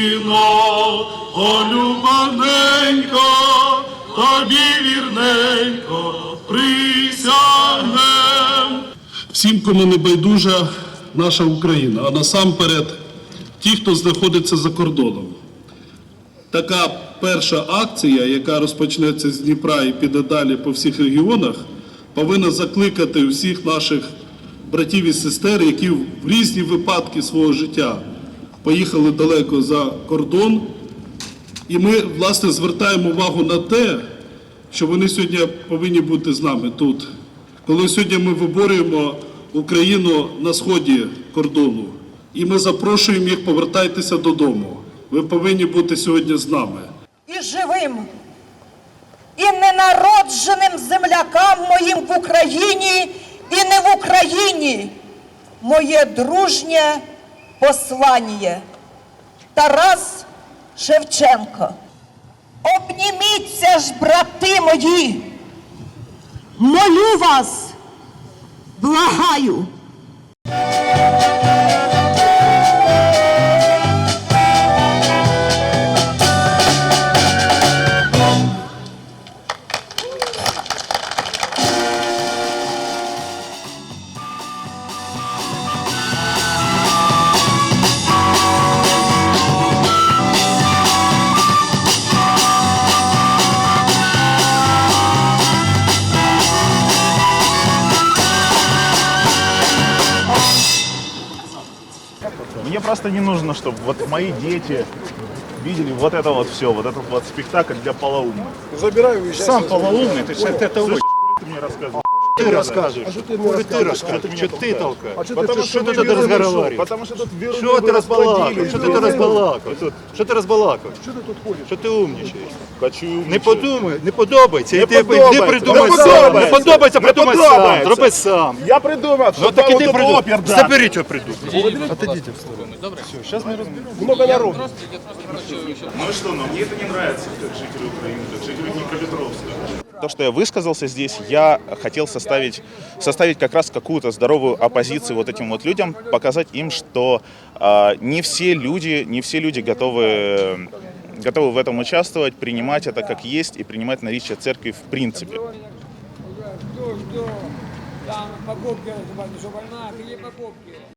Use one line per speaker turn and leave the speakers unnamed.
Україно, о любаненько, тобі вірненько присягнем. Всім, кому не байдужа наша Україна, а насамперед ті, хто знаходиться за кордоном. Така перша акція, яка розпочнеться з Дніпра і піде далі по всіх регіонах, повинна закликати всіх наших братів і сестер, які в різні випадки свого життя поїхали далеко за кордон. І ми, власне, звертаємо увагу на те, що вони сьогодні повинні бути з нами тут. Коли сьогодні ми виборюємо Україну на сході кордону, і ми запрошуємо їх, повертайтеся додому. Ви повинні бути сьогодні з нами.
І живим, і ненародженим землякам моїм в Україні і не в Україні моє дружнє послання. Тарас Шевченко. Обніміться ж, брати мої, молю вас, благаю.
Мне просто не нужно, чтобы вот мои дети видели вот это вот все, вот этот вот спектакль для полоумных.
Забираю, уезжай.
Сам полоумный, ты сейчас это очень ты мне рассказываешь.
Ты рассказываешь. Что ты мне рассказываешь?
Что ты толкаешь?
Потому что ты тут разговариваешь.
Потому что тут
Что ты разбалакиваешь? Что ты разбалакиваешь? Что ты разбалакиваешь? Что ты тут ходишь? Що ти умнічаєш? Не подумай, не подобається. Не придумай сам. Не подобається, придумай сам. Зроби сам.
Я придумав,
Ну
що
так і ти придумай.
опер, да.
Заберіть його придумай. Отойдите в сторону. Все, сейчас мы разберем. Много народу.
Ну и что, но мне это не нравится, как жителю Украины, как жителю Днепропетровска. То, что я высказался здесь, я хотел составить как раз какую-то здоровую оппозицию вот этим вот людям, показать им, что не все люди готовы в этом участвовать, принимать это как есть и принимать наличие церкви в принципе.
Там покупки, что больна, какие покупки?